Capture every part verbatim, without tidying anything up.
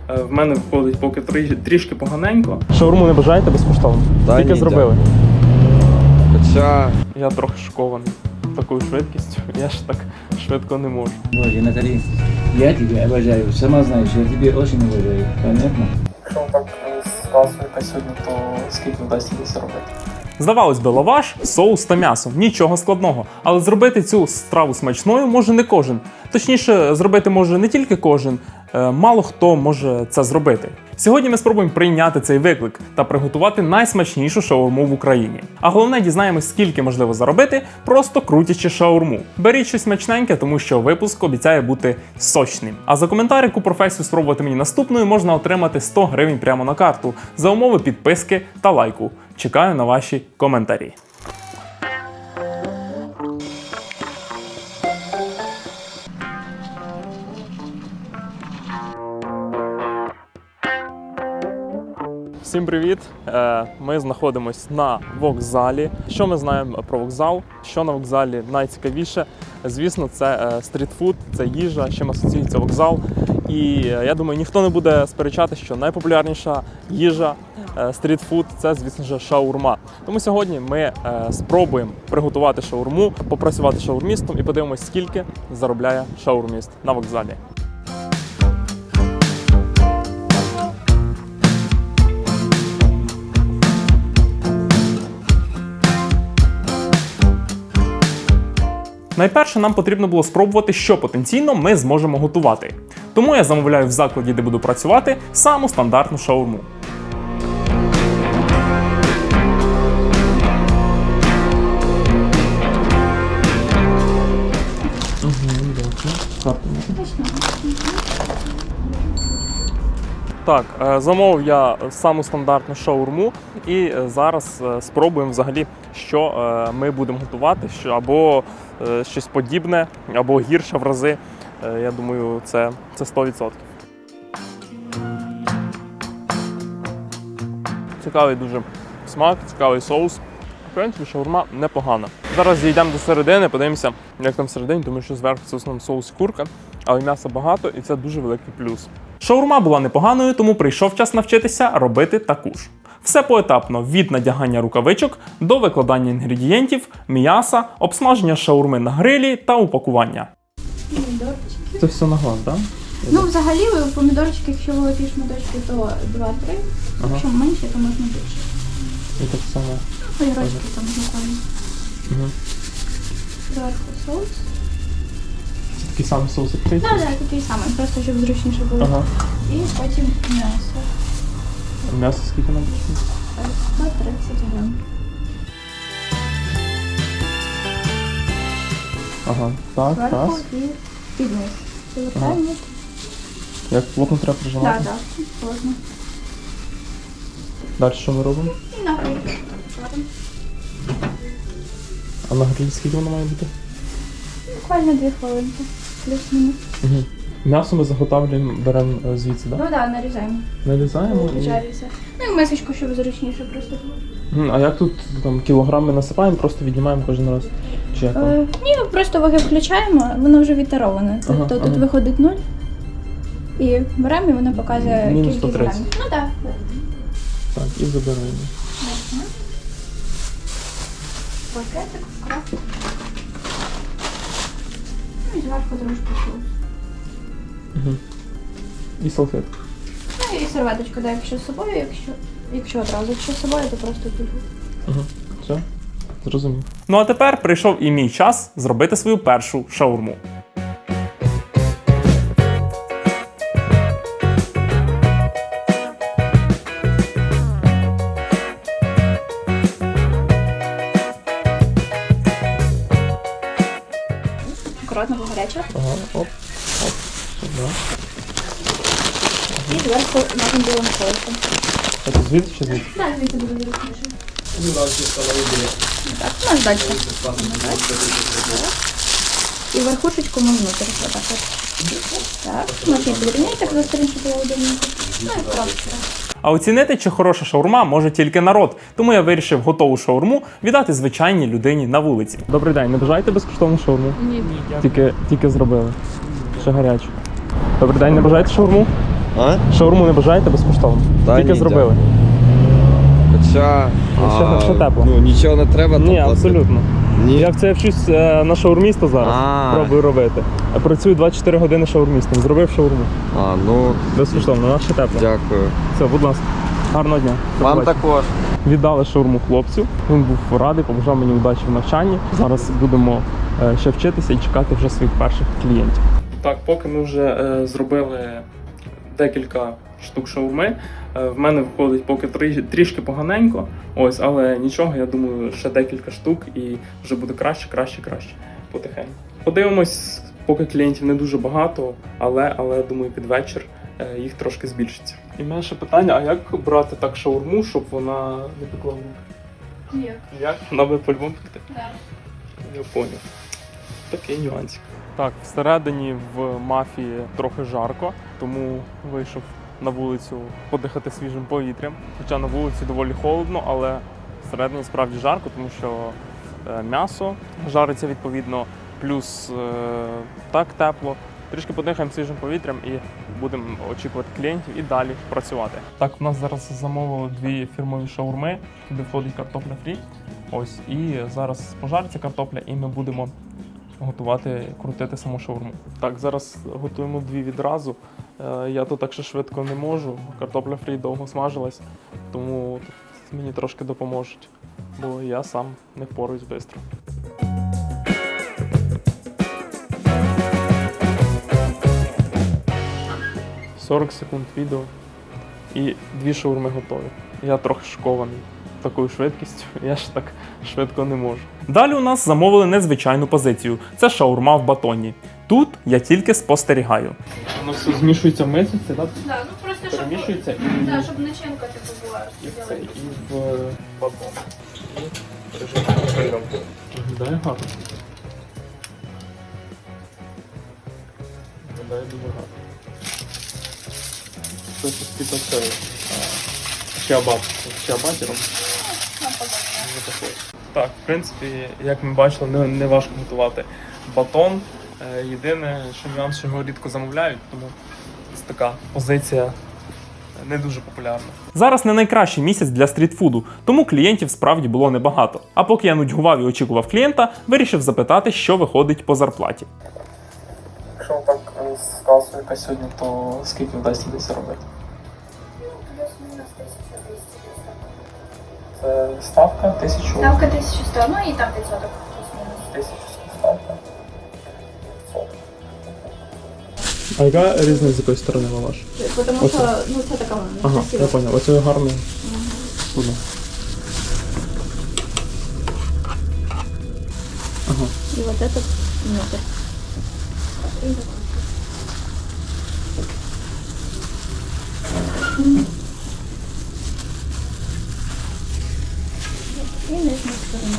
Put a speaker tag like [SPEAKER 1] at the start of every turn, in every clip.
[SPEAKER 1] В мене виходить поки трішки поганенько.
[SPEAKER 2] Шаурму не бажаєте безкоштовно?
[SPEAKER 3] Та
[SPEAKER 2] Тільки
[SPEAKER 3] ні,
[SPEAKER 2] зробили.
[SPEAKER 3] Хоча
[SPEAKER 2] Я трохи шокований такою швидкістю. Я ж так швидко не можу.
[SPEAKER 4] Боже, Наталі, я тебе обожаю, сама знаєш, я тебе очень обожаю, понятно?
[SPEAKER 1] Якщо так сказуєте сьогодні, то скільки вдасться заробити?
[SPEAKER 2] Здавалось би, лаваш, соус та м'ясо. Нічого складного. Але зробити цю страву смачною може не кожен. Точніше, зробити може не тільки кожен, мало хто може це зробити. Сьогодні ми спробуємо прийняти цей виклик та приготувати найсмачнішу шаурму в Україні. А головне, дізнаємось, скільки можливо заробити, просто крутячи шаурму. Беріть щось смачненьке, тому що випуск обіцяє бути сочним. А за коментар, яку професію спробувати мені наступною, можна отримати сто гривень прямо на карту за умови підписки та лайку. Чекаю на ваші коментарі. Всім привіт! Ми знаходимося на вокзалі. Що ми знаємо про вокзал? Що на вокзалі найцікавіше? Звісно, це стрітфуд, це їжа, з чим асоціюється вокзал. І я думаю, ніхто не буде сперечати, що найпопулярніша їжа, стрітфуд – це, звісно ж, шаурма. Тому сьогодні ми спробуємо приготувати шаурму, попрацювати шаурмістом і подивимось, скільки заробляє шаурміст на вокзалі. Найперше нам потрібно було спробувати, що потенційно ми зможемо готувати. Тому я замовляю в закладі, де буду працювати, саму стандартну шаурму. Так, замовив я саму стандартну шаурму і зараз спробуємо взагалі, що ми будемо готувати, що або щось подібне, або гірше в рази. Я думаю, це, це сто відсотків. Цікавий дуже смак, цікавий соус. В принципі, шаурма непогана. Зараз зійдемо до середини, подивимося, як там всередині, тому що зверху це в основному соус курка, але м'яса багато і це дуже великий плюс. Шаурма була непоганою, тому прийшов час навчитися робити таку ж. Все поетапно, від надягання рукавичок до викладання інгредієнтів, м'яса, обсмаження шаурми на грилі та упакування.
[SPEAKER 5] Помідорчики.
[SPEAKER 2] Це все на глаз, так? Да?
[SPEAKER 5] Ну, взагалі, помідорчики, якщо великі шматочки, то два-три.
[SPEAKER 2] Ага.
[SPEAKER 5] Якщо менше, то можна більше.
[SPEAKER 2] І так само.
[SPEAKER 5] Огірочки там буквально.
[SPEAKER 2] Угу.
[SPEAKER 5] Зверху соус.
[SPEAKER 2] Це такий самий соус, як цей?
[SPEAKER 5] Так, так, такий самий, просто щоб зручніше було.
[SPEAKER 2] Ага.
[SPEAKER 5] І потім м'ясо.
[SPEAKER 2] М'ясо скільки нам потрібно?
[SPEAKER 5] сто тридцять грам.
[SPEAKER 2] Ага, так,
[SPEAKER 5] Зверху
[SPEAKER 2] раз.
[SPEAKER 5] і під низ. Повертаємо.
[SPEAKER 2] Як плотно треба прижимати?
[SPEAKER 5] Так, так, плотно.
[SPEAKER 2] Далі що ми робимо?
[SPEAKER 5] І на гриль.
[SPEAKER 2] А на грилі скільки воно має бути?
[SPEAKER 5] Буквально дві хвилинки. Плюс-мінус.
[SPEAKER 2] Угу. М'ясо ми заготовлюємо, беремо звідси, так?
[SPEAKER 5] Ну так, нарізаємо.
[SPEAKER 2] Нарізаємо і...
[SPEAKER 5] Жариться. Ну і мисочку, щоб зручніше просто було.
[SPEAKER 2] Мгм, а як тут там кілограми насипаємо, просто віднімаємо кожен раз? Чи як там?
[SPEAKER 5] Е, ні, просто ваги включаємо, воно вже відтароване.
[SPEAKER 2] Ага,
[SPEAKER 5] Тобто
[SPEAKER 2] ага.
[SPEAKER 5] тут виходить нуль. І беремо, і воно показує
[SPEAKER 2] Мінус
[SPEAKER 5] кількість
[SPEAKER 2] сто тридцять.
[SPEAKER 5] грамів. Ну так.
[SPEAKER 2] Так, і забираємо.
[SPEAKER 5] Пакетик, вкрап. Ну і зверху трошки соус.
[SPEAKER 2] Угу. І салфетку.
[SPEAKER 5] Ну і серветочку, да, якщо з собою, якщо, якщо одразу, якщо з собою, то просто тут.
[SPEAKER 2] Угу. Все, зрозумів. Ну а тепер прийшов і мій час зробити свою першу шаурму.
[SPEAKER 5] Акуратно, бо гаряча.
[SPEAKER 2] Ага, оп, оп, сюди.
[SPEAKER 5] І зверху нашим білим соусом.
[SPEAKER 2] Це звідси чи звідси?
[SPEAKER 5] Так, звідси буде зручніше. Так, у нас далі. І верхушечку ми внутрі. Отак от. Так, можна підрівняти, так застрінь, щоб було удобненько. Ну і просто.
[SPEAKER 2] А оцінити, чи хороша шаурма, може тільки народ. Тому я вирішив готову шаурму віддати звичайній людині на вулиці. Добрий день, не бажаєте безкоштовну шаурму?
[SPEAKER 5] Ні, ні.
[SPEAKER 2] Тільки, тільки зробили. Ще гарячу. Добрий день, не бажаєте шаурму?
[SPEAKER 3] А?
[SPEAKER 2] Шаурму не бажаєте безкоштовно?
[SPEAKER 3] Та
[SPEAKER 2] Тільки
[SPEAKER 3] ні,
[SPEAKER 2] зробили.
[SPEAKER 3] Хоча...
[SPEAKER 2] Ну, ще-
[SPEAKER 3] а,
[SPEAKER 2] ще тепло.
[SPEAKER 3] Ну, нічого не треба там
[SPEAKER 2] Ні,
[SPEAKER 3] платити.
[SPEAKER 2] абсолютно.
[SPEAKER 3] Ні.
[SPEAKER 2] Я в це вчусь е, на шаурміста зараз.
[SPEAKER 3] А.
[SPEAKER 2] Пробую робити. Я працюю двадцять чотири години шаурмістом. Зробив шаурму.
[SPEAKER 3] А, ну,
[SPEAKER 2] Безкоштовно, вона ще тепла.
[SPEAKER 3] дякую.
[SPEAKER 2] Все, будь ласка. Гарного дня. До
[SPEAKER 3] Вам
[SPEAKER 2] побачення.
[SPEAKER 3] також.
[SPEAKER 2] Віддали шаурму хлопцю. Він був радий, побажав мені удачі в навчанні. Зараз будемо е, ще вчитися і чекати вже своїх перших клієнтів. Так, поки ми вже е, зробили декілька штук шаурми, е, в мене виходить поки трі, трішки поганенько. Ось, але нічого, я думаю, ще декілька штук і вже буде краще, краще, краще. Потихеньку. Подивимось, поки клієнтів не дуже багато, але, але думаю, під вечір е, їх трошки збільшиться. І в мене ще питання: а як брати так шаурму, щоб вона не пекла в руки?
[SPEAKER 5] Як?
[SPEAKER 2] Як? Вона би по-любому пекти?
[SPEAKER 5] Да.
[SPEAKER 2] Я поняв. Такий нюансик. Так, всередині в мафії трохи жарко, тому вийшов на вулицю подихати свіжим повітрям. Хоча на вулиці доволі холодно, але всередині справді жарко, тому що е, м'ясо жариться відповідно, плюс е, так тепло. Трішки подихаємо свіжим повітрям і будемо очікувати клієнтів і далі працювати. Так, у нас зараз замовили дві фірмові шаурми, туди входить картопля фрі. Ось, і зараз пожариться картопля, і ми будемо готувати, крутити саму шаурму. Так, зараз готуємо дві відразу. Е, Я тут так ще швидко не можу. Картопля фрі довго смажилась, тому тут мені трошки допоможуть, бо я сам не впораюсь швидко. сорок секунд відео і дві шаурми готові. Я трохи шокований такою швидкістю, я ж так швидко не можу. Далі у нас замовили незвичайну позицію. Це шаурма в батоні. Тут я тільки спостерігаю. Воно все змішується в мисці, так?
[SPEAKER 5] Да, ну просто щоб,
[SPEAKER 2] Перемішується і,
[SPEAKER 5] да, щоб начинка типу була.
[SPEAKER 2] і, в це, і в батон. І режим виглядає гарно. Виглядає дуже гарно. Це під оцею чиабат, чиабатіром. Так, в принципі, як ми бачили, не, не важко готувати батон. Е, Єдине, що нюанс, що його рідко замовляють, тому це така позиція не дуже популярна. Зараз не найкращий місяць для стрітфуду, тому клієнтів справді було небагато. А поки я нудьгував і очікував клієнта, вирішив запитати, що виходить по зарплаті.
[SPEAKER 1] Якщо так е, ставка яка сьогодні, то скільки вдасться десь робити? Це ставка тисячу.
[SPEAKER 5] Ставка тисяча сто, ну і там відсоток плюс-мінус.
[SPEAKER 1] Тисячу ставка.
[SPEAKER 2] А яка різниця з якої сторони лаваш?
[SPEAKER 5] Тому
[SPEAKER 2] Оце.
[SPEAKER 5] що ну це така вона
[SPEAKER 2] Ага,
[SPEAKER 5] красива.
[SPEAKER 2] я поняв. Оце гарно. Угу. Ага.
[SPEAKER 5] І вот этот внутрь. І нижня сторона.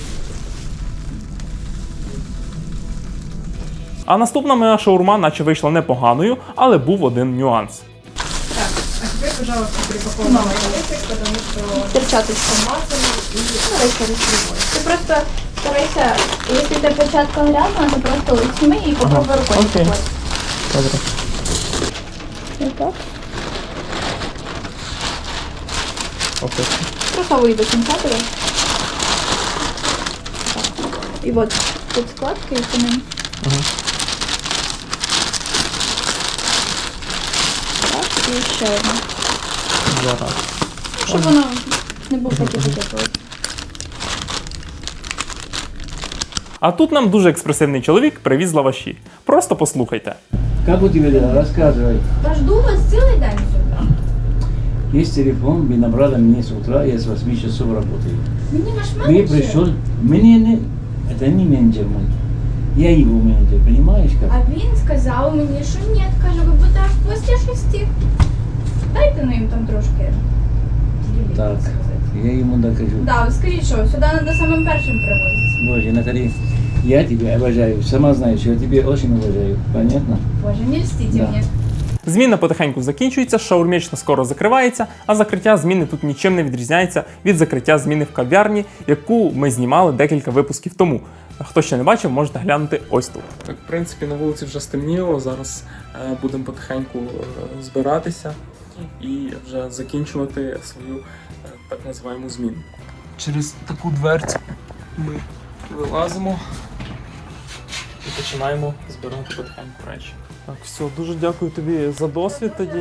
[SPEAKER 2] А наступна моя шаурма наче вийшла непоганою, але був один нюанс.
[SPEAKER 6] Так, а теперь, пожалуйста, припаковывай пакетик, потому что
[SPEAKER 5] Перчаточка.
[SPEAKER 6] смазано и
[SPEAKER 5] Давай через любой. Ты просто старайся, если эта перчатка грязная, то просто сними и попробуй
[SPEAKER 2] Ага,
[SPEAKER 5] рукой.
[SPEAKER 2] окей.
[SPEAKER 5] Вот.
[SPEAKER 2] Добре.
[SPEAKER 5] Вот так.
[SPEAKER 2] Окей.
[SPEAKER 5] Просовывай до конца туда. И вот тут складка и по ним.
[SPEAKER 2] Ага.
[SPEAKER 5] Так, і ще одна.
[SPEAKER 2] Зараз.
[SPEAKER 5] Щоб воно не був такий такий.
[SPEAKER 2] А тут нам дуже експресивний чоловік привіз лаваші. Просто послухайте.
[SPEAKER 4] Как у тебя дела? Рассказывай.
[SPEAKER 5] Та жду вас цілий день сюди.
[SPEAKER 4] Есть телефон, вы набрали мне с утра, я с восьми часов работаю.
[SPEAKER 5] Мені наш
[SPEAKER 4] Вы
[SPEAKER 5] менеджер.
[SPEAKER 4] пришел, мне не, это не менеджер мой, я его менеджер, понимаешь как?
[SPEAKER 5] А він сказав мені, що ні, каже, ви будете аж після шести. Дайте ну їм там трошки. ділі,
[SPEAKER 4] Так,
[SPEAKER 5] сказати.
[SPEAKER 4] я ему докажу.
[SPEAKER 5] Да, скажіть, що сюди треба самим першим привозити.
[SPEAKER 4] Боже, Натали, я тебя обожаю, сама знаешь, я тебя очень уважаю, понятно?
[SPEAKER 5] Боже, не льстіть
[SPEAKER 4] Да.
[SPEAKER 5] мені.
[SPEAKER 2] Зміна потихеньку закінчується, шаурмічна скоро закривається, а закриття зміни тут нічим не відрізняється від закриття зміни в кав'ярні, яку ми знімали декілька випусків тому. Хто ще не бачив, можете глянути ось тут. Так, в принципі, на вулиці вже стемніло, зараз е, будемо потихеньку е, збиратися і вже закінчувати свою е, так називаємо зміну. Через таку дверцю ми вилазимо і починаємо збирати потихеньку речі. Так, все, дуже дякую тобі за досвід тоді,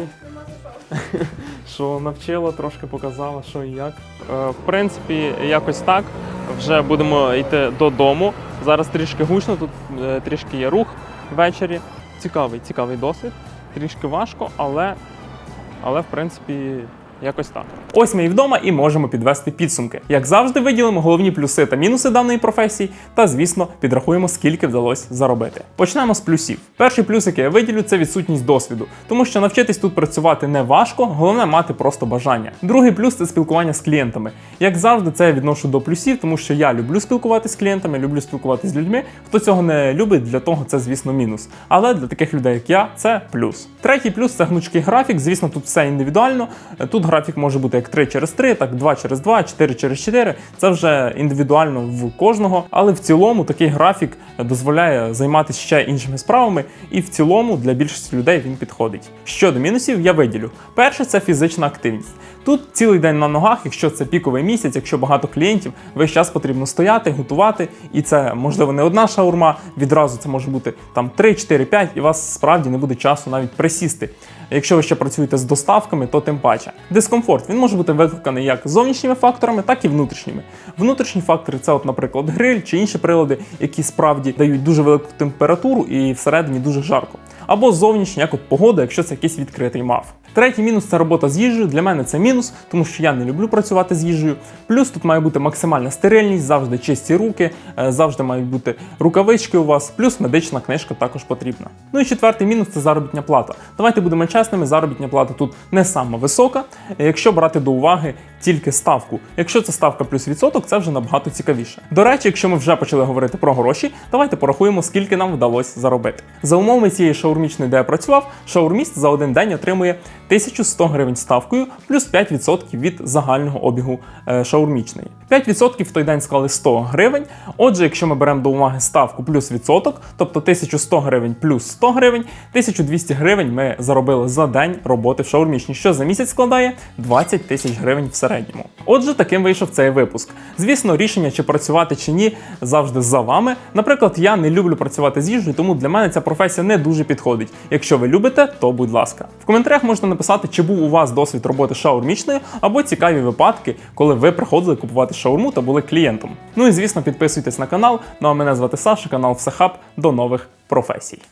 [SPEAKER 2] що навчила, трошки показала, що і як. Е, в принципі, якось так. Вже будемо йти додому. Зараз трішки гучно, тут е, трішки є рух ввечері. Цікавий, цікавий досвід. Трішки важко, але, але в принципі, якось так. Ось ми і вдома і можемо підвести підсумки. Як завжди, виділимо головні плюси та мінуси даної професії та, звісно, підрахуємо, скільки вдалося заробити. Почнемо з плюсів. Перший плюс, який я виділю, це відсутність досвіду, тому що навчитись тут працювати не важко, головне мати просто бажання. Другий плюс це спілкування з клієнтами. Як завжди, це я відношу до плюсів, тому що я люблю спілкуватися з клієнтами, люблю спілкуватися з людьми. Хто цього не любить, для того це, звісно, мінус. Але для таких людей, як я, це плюс. Третій плюс це гнучкий графік. Звісно, тут все індивідуально. Тут графік може бути як три через три, так два через два, чотири через чотири. Це вже індивідуально в кожного. Але в цілому такий графік дозволяє займатися ще іншими справами. І в цілому для більшості людей він підходить. Щодо мінусів, я виділю. Перше – це фізична активність. Тут цілий день на ногах, якщо це піковий місяць, якщо багато клієнтів, весь час потрібно стояти, готувати. І це, можливо, не одна шаурма, відразу це може бути там три, чотири, п'ять, і у вас справді не буде часу навіть присісти. Якщо ви ще працюєте з доставками, то тим паче. Дискомфорт, він може бути викликаний як зовнішніми факторами, так і внутрішніми. Внутрішні фактори – це, от, наприклад, гриль чи інші прилади, які справді дають дуже велику температуру і всередині дуже жарко. Або зовнішні, як от погода, якщо це якийсь відкритий мав. Третій мінус – це робота з їжею. Для мене це мінус, тому що я не люблю працювати з їжею. Плюс тут має бути максимальна стерильність, завжди чисті руки, завжди мають бути рукавички у вас, плюс медична книжка також потрібна. Ну і четвертий мінус – це заробітня плата. Давайте будемо чесними, заробітня плата тут не сама висока, якщо брати до уваги тільки ставку. Якщо це ставка плюс відсоток, це вже набагато цікавіше. До речі, якщо ми вже почали говорити про гроші, давайте порахуємо, скільки нам вдалося заробити. За умовами цієї шаурмічної, де я працював, шаурміст за один день отримує тисячу сто гривень ставкою, плюс п'ять відсотків від загального обігу е, шаурмічної. п'ять відсотків в той день склали сто гривень. Отже, якщо ми беремо до уваги ставку плюс відсоток, тобто тисячу сто гривень плюс сто гривень, тисячу двісті гривень ми заробили за день роботи в шаурмічній, що за місяць складає двадцять тисяч гривень в середньому. Отже, таким вийшов цей випуск. Звісно, рішення, чи працювати, чи ні, завжди за вами. Наприклад, я не люблю працювати з їжею, тому для мене ця професія не дуже підходить. Якщо ви любите, то будь ласка. В коментарях можете написати, чи був у вас досвід роботи шаурмічною, або цікаві випадки, коли ви приходили купувати шаурму та були клієнтом. Ну і звісно, підписуйтесь на канал. Ну а мене звати Саша, канал Всехаб. До нових професій.